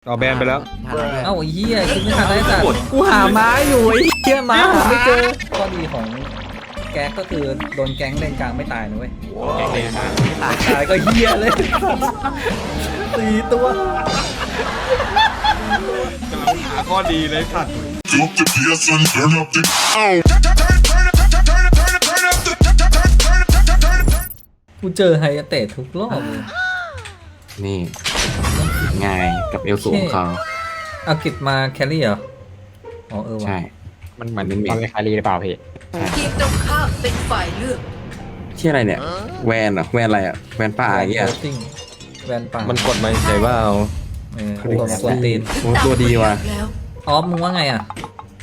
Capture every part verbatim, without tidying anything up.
เอาแบนไปแล้วเอ้าไอ้เหี้ยคิดไม่ทันได้สัตว์กูหาไม้อยู่ไอ้เหี้ยไม้หาไม่เจอข้อดีของแก๊กก็คือโดนแก๊งเลนกลางไม่ตายนะเว้ยแกงเลยนะไม่ตายตายก็เหี้ยเลยสี่ตัวกำลังหาข้อดีเลยสัตว์ Drop the bass and turn up the. Oh. กูเจอไฮยาเตะทุกรอบเลยนี่ไงกับเอลสูงของเขาเอากิจมาแครี่เหรออ๋อเออว่ะใช่ มันเหมือนเป็นเมตอนนเป็นคารีหรือเปล่าพี่ทีมตรงข้ามเป็นฝ่ายเลือกที่อะไรเนี่ย แวนเหรอแวนอะไรอ่ะแวนป่าอย่างเงี้ยแวนซิ่งแวนป่ามันกดมาใช่ว่าเอาเออตัวส่วนตีนโอ้ตัวดีว่ะแล้วออฟมึงว่าไงอ่ะ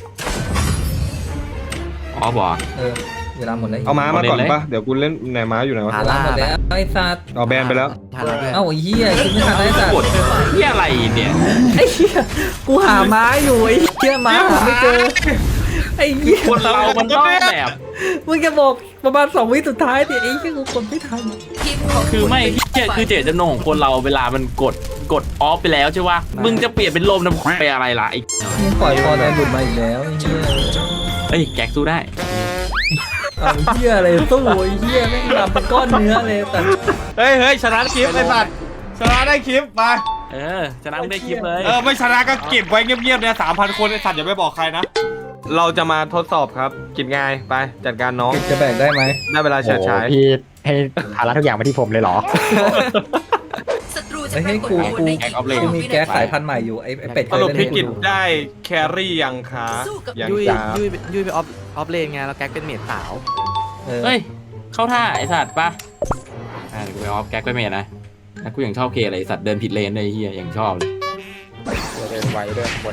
อ๋อบอกเออเวลาหมดแล้วเอาม้ามาก่อนเอาเล่นเลยปะเดี๋ยวกูเล่นไหนม้าอยู่ไหนวะเวลาหมดแล้วไอ้สัตว์เอาแบนไปแล้วเอ้าไอ้เหี้ยคิดไม่ทันได้สัตว์กดที่อะไรเนี่ยไอ้เหี้ยกูหาไม้อยู่ไอ้เหี้ยไม้หาไม่เจอไอ้เหี้ยคนเรามันต้องแบบมึงจะบอกประมาณสองวิสุดท้ายดิไอ้เหี้ยกูคนไม่ทันทีมของคือไม่ที่เจคือเจตจำนงของคนเราเวลามันกดกดออฟไปแล้วใช่ป่ะมึงจะเปลี่ยนเป็นลมน้ำไปอะไรล่ะไอ้มึงปล่อยพอแดนหลุดมาอีกแล้วไอ้เหี้ยเอ้ยแก๊กสู้ได้เอาเหี้ยอะไรสู้ไอ้เหี้ยแม่งดำเป็นก้อนเนื้อเลยแต่เฮ้ยเฮ้ยชนะคลิปไอ้สัตว์ชนะได้คลิปไปเออชนะมึงได้คลิปเลยเออไม่ชนะก็เก็บไว้เงียบๆเนี่ยสามพันคนไอ้สัตว์อย่าไปบอกใครนะ เราจะมาทดสอบครับกินง่ายไปจัดการน้องจะแบกได้ไหมได้เวลาเฉิดฉายโอ้โหพี่ให้ภาระทุกอย่างมาที่ผมเลยเหรอศัตรูจะไอ้ปให้รากฏกูตัวกูในกูมีแก๊สสายพันธุ์ใหม่อยู่ไอ้ไอ้เป็ดเคสยรุปเล่นพี่ให้กูกินดูได้แครี่ยังคะยังยุ้ยจ้ายุ้ยยุ้ยไปออฟออฟเลนไงแล้วแก๊กเป็นเมดสาวเออเฮ้ยเข้าท่าไอ้สัตว์ป่ะอ่าเดี๋ยวกูไปออฟแก๊กไปเมทนะแล้วกูยังชอบเคอะไรไอ้สัตว์เดินผิดเลนเลยไอ้เฮียยังชอบเลยเดินไวเดินบน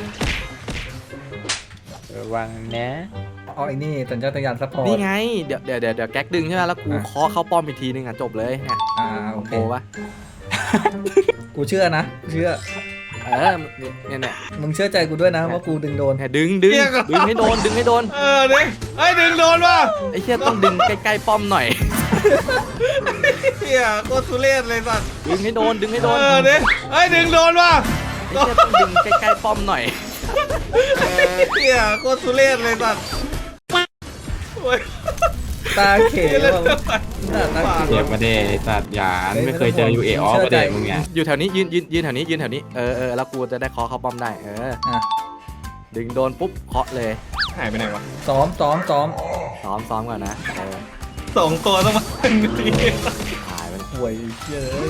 ระวังนะอ๋อไอ้นี่สัญชาตญาณซัพพอร์ตนี่ไงเดี๋ยวเดี๋ยวเดี๋ยวเดี๋ยวแก๊กดึงใช่ไหมแล้วกูอ่ะเคาะเข้าป้อมอีกทีนึงอ่ะจบเลยเนี่ยอ่าโอเคโอ้ปะกูเชื่อนะเชื่อเออเนี่ยเนี่ยมึงเชื่อใจกูด้วยนะว่ากูดึงโดนเนี่ยดึงดึงดึงให้โดนดึงให้โดนเออเนี่ยไอ้ยดึงโดนว่ะไอ้เชี่ยต้องดึงใกล้ๆป้อมหน่อยเฮียโคตรทุเรศเลยสัตว์ดึงให้โดนดึงให้โดนเออเนี่ยไอ้ยดึงโดนว่ะไอ้เชี่ยต้องดึงใกล้ๆป้อมหน่อยเฮียโคตรทุเรศเลยสัตว์โอ้ยตาเขวแบบหน้าตาเขเจ็วบมาเดไอ้สัตว์หยานไม่เคยเจอยูเอออฟมาเดมึงเนี่ยอยู่แถวนี้ยืนยืนยืนแถวนี้ยืนแถวนี้เออเออแล้วกูจะได้เคาะเข้าป้อมได้เอออ่ะดึงโดนปุ๊บเคาะเลยหายไปไหนวะซ้อมซ้อมซ้อมซ้อมซ้อมก่อนนะเออสองตัวต้องมาเป็นทีหายไปห่วยเยอะ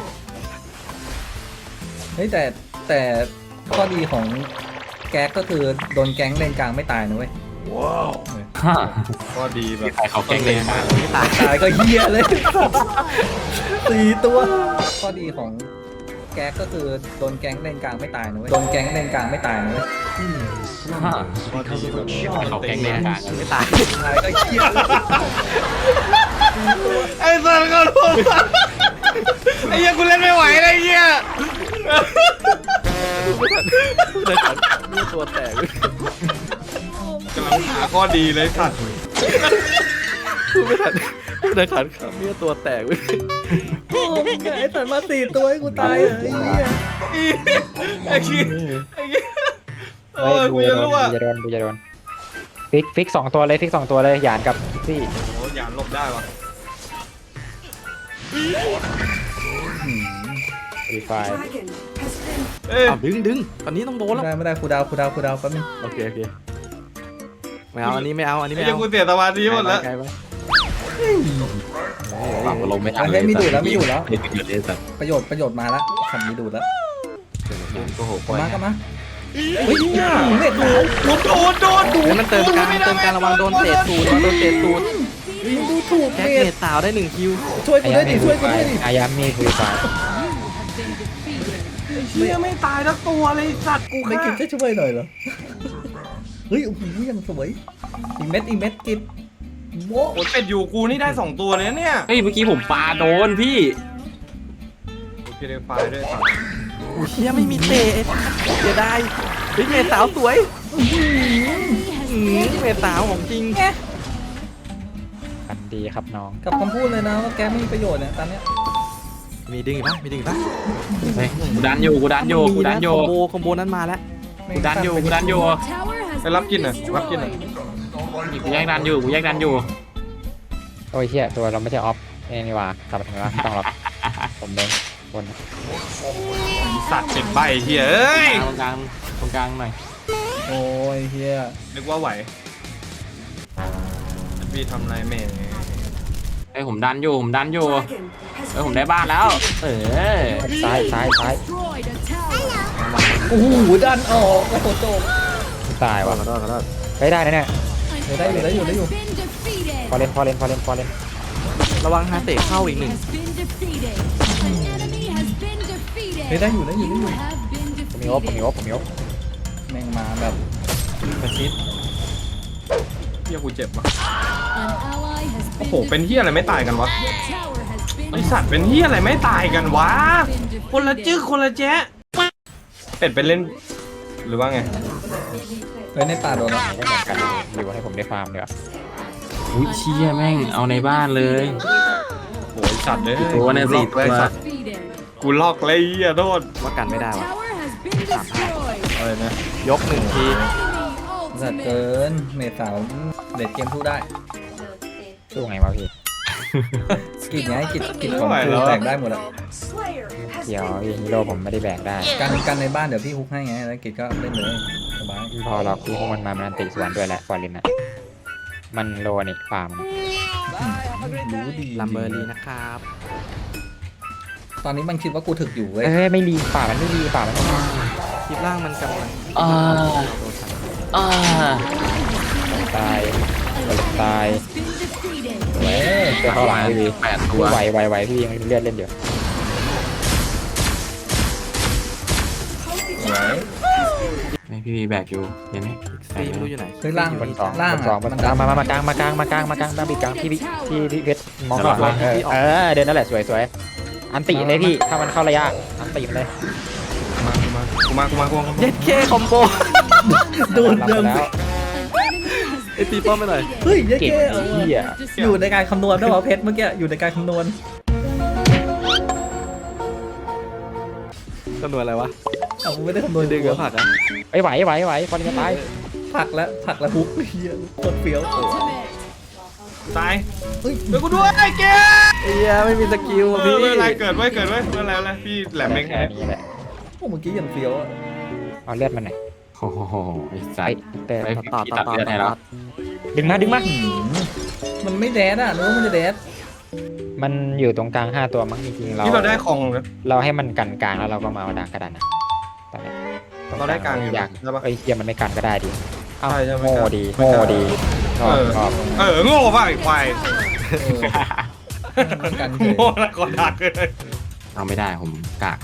เฮ้ยแต่แต่ข้อดีของแก๊กก็คือโดนแก๊งเลนกลางไม่ตายนะเว้ยฮ่าก็ดีแบบใครเขาแกล้งเลยนะไม่ตายตายก็เฮียเลยสี่ตัวข้อดีของแก๊กก็คือโดนแก๊งเลนกลางไม่ตายนะเว้ยโดนแก๊งเลนกลางไม่ตายนะเว้ยฮ่าก็ดีแบบเขาแกล้งเล่นกลางกันไม่ตายตายก็เฮียเลยไอ้สัตว์ก็รู้ไอ้เหี้ยกูเล่นไม่ไหวเลยไอ้เหี้ยเลยขันเลือดตัวแตกกำลังหาข้อดีเลยสัตว์ไม่ทันเลยขันเลือดตัวแตกเว้ยโอ้ยไอ้สัตว์มาสี่ตัวให้กูตายเลยไอ้เหี้ยไอ้เหี้ยไอ้เหี้ยโอ้เฮ้ยยกูบูจะจะโดนรู้อ่ะบูจะโดนบูจะโดนฟิกฟิกสองตัวเลยฟิกสองตัวเลยหยานกับซี่โอ้ยอย่าหลบได้วะรีไฟเอ้ยอ้าวดึงดึงตอนนี้ต้องโดนไม่แล้วได้ไม่ได้ครูดาวครูดาวครูดาวแป๊บนึงโอเคโอเคไม่เอาอันนี้ไม่เอาอันนี้ไอ้ไม่เหี้ยเอากูเสียสมาธิหมดแล้วไกลไปฝั่งลงไม่ทันเฮ้ยไม่ดูดแล้วไม่ดูดแล้วไม่ดูดเลยสัตว์ประโยชน์ประโยชน์มาแล้วคำนี้ดูดแล้วโอ้โหกลับมากลับมาเฮ้ยเน็ตดูโดนโดนโดนเฮ้ยมันเติมการเติมการระวังโดนเตะตูดระวังโดนเตะตูดดูถูกแก๊กเน็เมตดสาวได้หนึ่งคิวช่วยกูด้วยดิช่วยกูด้วยดิอายามีรีไฟเหี้ยไม่ตายทั้งตัวเลยสัตว์กูไม่ฆ่ากินจะช่วยหน่อยเหรอเฮ้ยโอ้โหยังสวยอีเม็ดอีเม็ดกินโว้โอ้ยเป็ดอยู่กูนี่ได้สองตัวเลยนะเนี่ยเฮ้ยเมื่อกี้ผมปาโดนพี่โอเคเลยไฟด้วยสัตว์เฮียไม่มีเตะเสียดายเฮ้ยเมดสาวสวยอื้อหือเมดสาวของจริงกันดีครับน้องกับคำพูดเลยนะว่าแกไม่มีประโยชน์เนี่ยตอนเนี้ยมีดึงอีกปะมีดึงอีกปะเฮ้ยกูดันอยู่กูดันอยู่กูดันอยู่คอมโบคอมโบนั้นมาแล้วกูดันอยู่กูดันอยู่ไปรับกินหน่อยรับกินหน่อยกูแยกดันอยู่กูแยกดันอยู่โอ้ยเฮียตัวเราไม่ใช่ออฟนี่ว่าทำไมวะต้องรับผมเองบนสัตว์ติดใบเฮียเอ้ยตรงกลางตรงกลางหน่อยโอ้ยเฮียนึกว่าไหวพี่ทำไรแม่ไอ้ยผมดันอยู่ผมดันอยู่เอ้ยผมได้บ้านแล้ว เออซ้ายซ้ายซ้ายโอ้โหดันออกโอ้โหโจบตายว่ะขอโทษขอโทษเฮ้ยได้นะเนี่ยเดี๋ยวได้อยู่ได้อยู่ได้อยู่พอเล่นพอเล่นพอเล่นพอเล่นระวังฮาเตะเข้าอีกหนึ่งเฮ้ยได้อยู่ได้อยู่ได้อยู่ผมมีโอ๊บผมมีโอ๊บผมมีโอ๊บแม่งมาแบบประชิดเฮียกูเจ็บวะโอ้โหเป็นเฮียอะไรไม่ตายกันวะไอสัตว์เป็นเฮียอะไรไม่ตายกันวะคนละจึ๊กคนละแจ๊ะเป็ดไปเล่นหรือว่าไงเฮ้ยในป่าโดนแล้วไม่เหมือนกันอยู่ให้ผมได้ฟาร์มเดี๋ยวอุ้ยเชี่ยแม่งเอาในบ้านเลยโอ้ยสัตว์เลยตัวเนี่ยสิกูล็อกเลยตัวสัตว์กูลอกเลยเฮียโทษว่ากันไม่ได้วะอะไรนะยกหนึ่งทีสัตว์เกินเมดสาวเด็ดเกมสู้ได้สู้ไงวะพี่กิจไงกิจกิจของคือแตกได้หมดอะเดี๋ยวพี่ฮีโร่ผมไม่ได้แบกได้กันกันในบ้านเดี๋ยวพี่ฮุกให้ไงแล้วกิจก็เล่นเลยสบายพอเราพี่พวกมันมามันอันติสวนด้วยแหละฟอร์ลินอ่ะมันโลนี่ฟาร์มรู้ดีลัมเบอร์ลีนะครับตอนนี้มันคิดว่ากูถึกอยู่เว้ยเฮ้ยไม่รีป่ามันไม่รีป่ามันไม่รีคลิปล่างมันกำลังอ่าอ่าตายตายเว้ยเจอเข้าหลังพี่แปดตัวไหวไหวไหวพี่ยังเลือดเล่นอยู่เว้ยไม่พี่วีแบกอยู่เห็นไหมซีไม่รู้อยู่ไหนเฮ้ยล่างบนสองล่างบนสองบนสองมามามากลางมากลางมากลางมากลางมากลางพี่พี่พี่พี่เพชรมองก่อนเออเออเดินนั่นแหละสวยสวยอันติเลยพี่ถ้ามันเข้าระยะอันติเลยมากูมากูมากูมากูมาเย็ดเคคอมโบโดนรับเดิมแล้วไอตีป้อมไปหน่อยเฮ้ยเย้เก่งเก้เหี้ยอยู่ในการคำนวณด้วยเหรอเพชรเมื่อกี้อยู่ในการคำนวณจำนวนอะไรวะเอ้ากูไม่ได้คำนวณดึงกับผักอ่ะไอ้ไหวไหวไหวฟอร์ลินจะตายผักแล้วผักแล้วฮุกเฮียโคตรเฟี้ยวตายเฮ้ยเดี๋ยวกูด้วยไอ้เกไอ้เหี้ยไม่มีสกิลเออะอพี่ไม่เป็นไรเกิดไว้เกิดไว้ไม่เป็นไรอะไรพี่แหลมเองแค่นี้แหละโอ้เมื่อกี้ยังเฟี้ยวอะเอาเลือดมันหน่อยโอ้โหไอ้สัไอ้ตว์เต้ไอ้ต่อต่อพี่ต่ตัอดต่อเลือดให้แล้วดึงมาดึงมาหืมมันไม่แดดอ่ะนึกว่ามันจะแดดมันอยู่ตรงกลางห้าตัวมั้งจริงๆเราที่เราได้ของเราให้มันกันกลางแล้วเราก็มาเอาดางกระดานนะตอนนี้เราได้กลางอยู่อยากใช่ปะไอ้เฮียมันไม่กันก็ได้ดิเอ้าใช่ใช่ไม่โง่กันดีไม่โง่กันดีชอบเออชอบเออโง่ป่ะไอ้ควายกันเฉยโง่แล้วก็ดักเลยเอาไม่ได้ผมกาก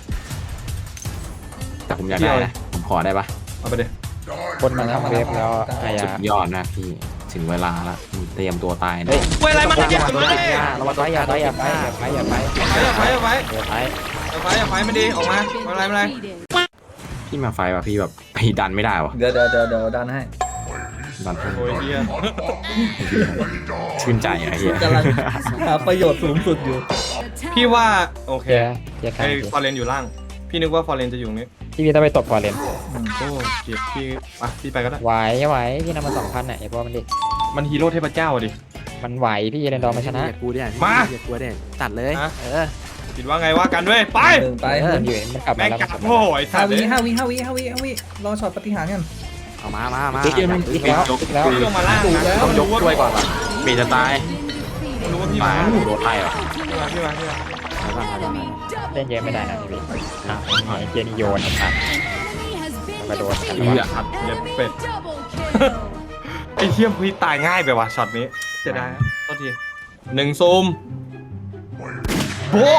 แต่ผมอยากได้นะผมขอได้ปะเอาไปดิคนมันทำเวฟแล้วไอ้สุยาดยอดนะพี่ถึงเวลาแล้วเตรียมตัวตายนะเฮ้ยเว้ยอะไรมันอย่าเก็บไปตัวเลยอย่าไปอย่าไปอย่าไปอย่าไปอย่าไปอย่าไปอย่าไปอย่าไปอย่าไปอย่าไปไม่ดีออกมาไม่เป็นไรไม่เป็นไรพี่มาไฟว่ะพี่แบบไปดันไม่ได้วะเดี๋ยวเดี๋ยวเดี๋ยวเดี๋ยวดันให้ดันโอ้ยเฮียชื่นใจไอ้เหี้ยกำลังหาประโยชน์สูงสุดอยู่พี่ว่าโอเคเจ๊เจ๊กลาไอ้งฟอร์เรนอยู่ล่าง พี่นึกว่าฟอร์เรนจะอยู่ตรงนี้พี่พี่ต้องไปตบฟอร์เรนโอ้เจ็บพี่อ่ะพี่ไปก็ได้ไหวไหวพี่นำมาสองพันอ่ะไอ้พวกมันดิมันฮีโร่เทพเจ้าดิมันไหวพี่เรนดอร์มาชนะอย่ากูเนี่ยมาอย่ากลัวเนี่ยจัดเลยฮะเออคิดว่าไงว่ากันเว้ยไปหนึ่งไปมันอยู่มันกลับแม่มาง แล้วกัดมันโง่ไอ้สัห้าตว์วิเลยห้าวิห้าวิห้าวิห้าวิรอช็อตปฏิหารย์กันเอามามามาอีกแล้วอีกแล้วอีกแล้วพี่ลงมาล่างนะต้องยกช่วยก่อนว่ะเบจะตายรู้ว่าพี่ตามายโดนไล่เหรอพี่มาพี่มาพี่มาเล่นเยอะไม่ได้นะพี่พี่อ่ะไอ้เจนี่โยนครับกระโดดกันเอืออัดเย็ดเป็ดไอ้เทียมพี่ตายง่ายไปว่ะช็อตนี้เสียดายครับโทษทีหนึ่งซูมโบ๊ะ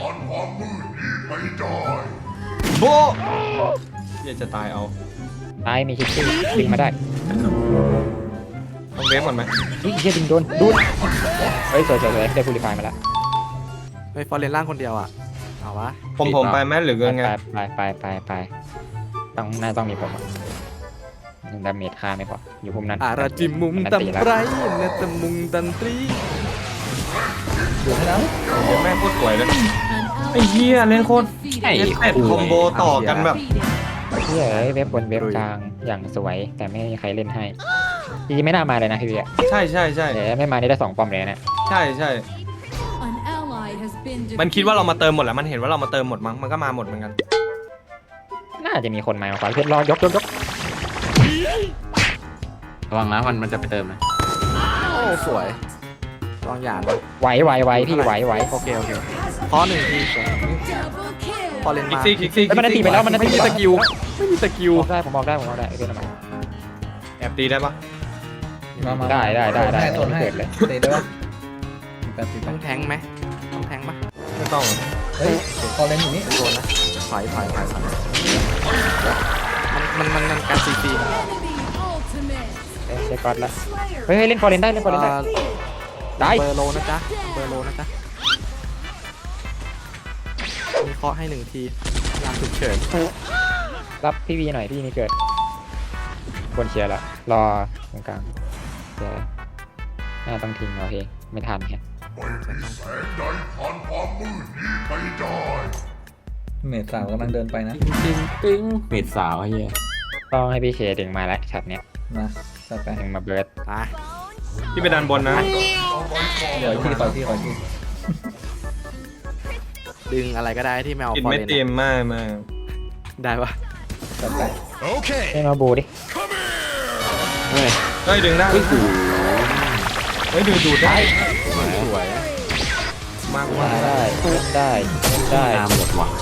โบ๊ะเฮียจะตายเอาตายมีคิดซี่ดึงมาได้ต้องเวฟก่อนไหมเฮ้ยเฮียดึงโดนดูดเฮ้ยสวยสวยสวยได้ฟูลิฟายมาแล้วไปฟอร์เรนล่างคนเดียวอ่ะเอาวะผมผมไปไหมหรือไปไงไปไปไปไปต้องน่าต้องมีผมอ่ะดาเมจค่าไม่พออยู่พุ่มนั้นอาราจิมุมนตัมตีแล้วไรเนตมุงตันตรีดูให้แล้วเดี๋ยวแม่งโคตรสวยเลยดไอ้เหี้ยเล่นโคตรไอ้เอ็ดคอมโบต่อกันแบบเฮียเอ้ยเว็บบนเว็บกลางอย่างสวยแต่ไม่มีใครเล่นให้จริงๆไม่น่ามาเลยนะพี่เบียร์ใช่ใช่ใช่แต่ไม่มานี่ได้สองปอมเลยนะใช่ใช่มันคิดว่าเรามาเติมหมดแล้วมันเห็นว่าเรามาเติมหมดมั้งมันก็มาหมดเหมือนกันน่าจะมีคนมาขวาเพชรรอยกยกยกระวังนะมันมันจะไปเติมนะโอ้สวยลองหยาดไหวไหวไหวพี่ไหวไหวโอเคโอเคพอหนึ่งทีพอเล่นคิกมาซี่คิกซี่แล้วมันตีไปแล้วมันไม่ตีมีสกิลไม่มีสกิลออกได้ผมออกได้ผมออกได้เพื่อนมาแอบตีได้ปะมามาได้ได้ได้ได้โซนให้เกิดเลยเตะได้ปะแปดสิบต้องแทงไหมต้องแทงปะไม่ต้องเฮ้ยพอเล่นอยู่นี่โดนนะถอยถอยถอยถอยมันมันมันการซีซีเอ้ยเช็คก๊อตแล้วเฮ้ยเล่นฟอร์เรนได้เล่นฟอร์เรนได้ได้เบอร์โลนะจ๊ะเบอร์โลนะจ๊ะมีเคาะให้หนึ่งทียามฉุกเฉินรับพี่วีหน่อยพี่นี่เกิดบนเชียร์ละรอตรงกลางเดี๋ยวน่าต้องทิ้งเอาเองไม่ทันแฮะเมดสาวกำลังเดินไปนะปิ้งปิ้งเม็ดสาวไอ้เหี้ยต้องให้พี่เคดึงมาแล้วช็อตเนี้ยมาจัดไปดึงมาเบิร์ดตายที่ไปดันบนนะเดี๋ยวที่ต่อยที่ต่อยที่ดึงอะไรก็ได้ที่ไม่เอากินฟอร์ไม่เรนเต็มมากมากได้ปะจัดไปเล่นมาบูดิเฮ้ยเฮ้ยดึงได้เฮ้ยกูเฮ้ยดูดูได้สวยมากได้มากได้ได้ได้ตามหมดว่ะ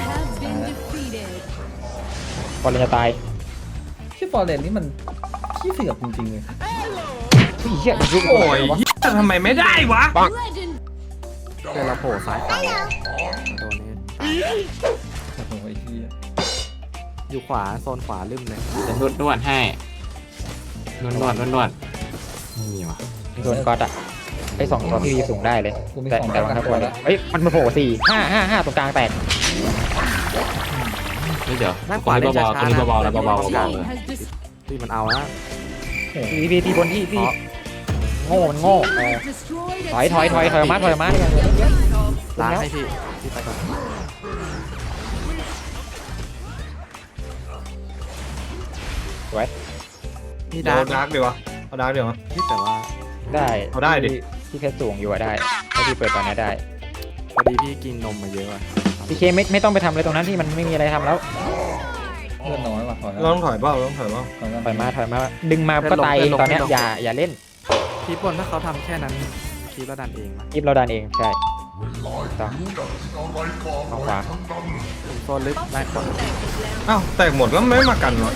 ฟอร์เรนจะตายที่ฟอร์เรนนี่มันขี้เสือกจริงๆเลยเฮ้ยเหี้ยมันยุบโอ้ยเหี้ยทำไมไม่ได้วะเดี๋ยวเราโผล่ซ้ายขวาตัวนี้โอ้โหไอ้เหี้ยอยู่ขวาโซนขวาลืมเลยจะนวดนวดให้นวดนวดนวดนวดไม่มีว่ะโดนก๊อตอ่ะไอ้สองตัวพี่วีสูงได้เลยแต่แต่ว่าถ้าตัวเลยเฮ้ยมันมาโผล่สี่ห้าห้าห้าตรงกลางแตกนี่เดี๋ยวด้านขตัววานี้เล่นเบาๆช้าตัวๆนี้นะเบาๆแล้วเบาๆเบาๆเลยที่มันเอานะพี่วีตีบนที่พี่โง่มันโง่เออถอยถอยถอยถอยออกมาถอยออกมาเนี่ยล้างให้พี่พี่ไปก่อนสวยมีเดี๋ยดาว ร์กดาร์กดีวะเอาดาร์กเดี๋ยวที่แต่ว่าได้เอาได้ดิพี่เพชรสูงอยู่อะได้ถ้าพี่เปิดตอนนี้ได้พอดีพี่กินนมมาเยอะอะพี่เคไม่ไม่ต้องไปทำอะไรตรงนั้นที่มันไม่มีอะไรทำแล้วเลือดน้อยว่ะถอยเราต้องถอยเปล่าเราต้องถอยเปล่าถอยกันถอยมาถอยมาดึงมาก็ตายเองตอนเนี้ยอย่าอย่าเล่นทีบนถ้าเขาทำแค่นั้นทีเราดันเองมายิบเราดันเองใช่ต้องเอาขวาถึงโซนลึกไล่ขวาอ้าวแตกหมดแล้วไม่มากันวะ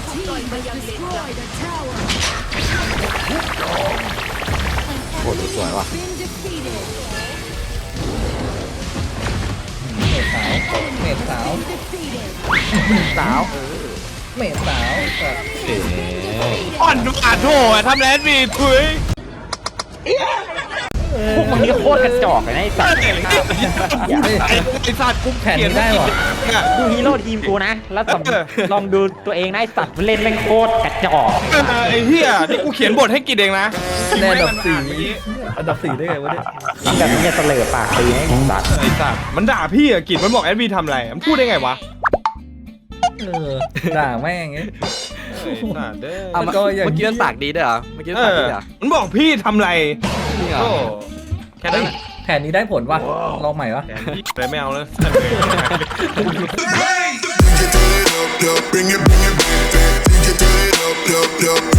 โคตรสวยว่ะเมดสาวเมดสาวสาวเมดสาวแบบเอ๋อ่อนดูอ่านโถทำแลนด์มีคุยพวกมึงนี่โคตรกระจอกเลยนะไอ้สัตว์ไอ้สัตว์กูแผ่นนี้ได้ว่ะดูฮีโร่ทีมกูนะ แล้วสำลองดูตัวเองนะไอ้สัตว์มันเล่นแม่งโคตรกระจอกไอ้เหี้ยนี่กูเขียนบทให้กินเองนะแน่อันดับสี่อันดับสี่ได้ไงวะเนี่ยแบบนี้เนี่ยเสลอปากตีให้ไอ้สัตว์ไอ้สัตว์มันด่าพี่อะกินมันบอกแอดบีทำอะไรมันพูดได้ไงวะเออด่าแม่งไงไอ้สัตว์เด้อเอามาก็อย่างเมื่อกี้มันปากดีด้วยเหรอเมื่อกี้มันเอปากอดีเหรอมันบอกพี่ทำอะไรจริงเหรอโอ้แค่นั้นแหละแผนนี้ได้ผลวะลองใหม่วะแทนพี่เลยไม่เอาแล้ว Bring it, bring it back, back. Bring it up, up, up.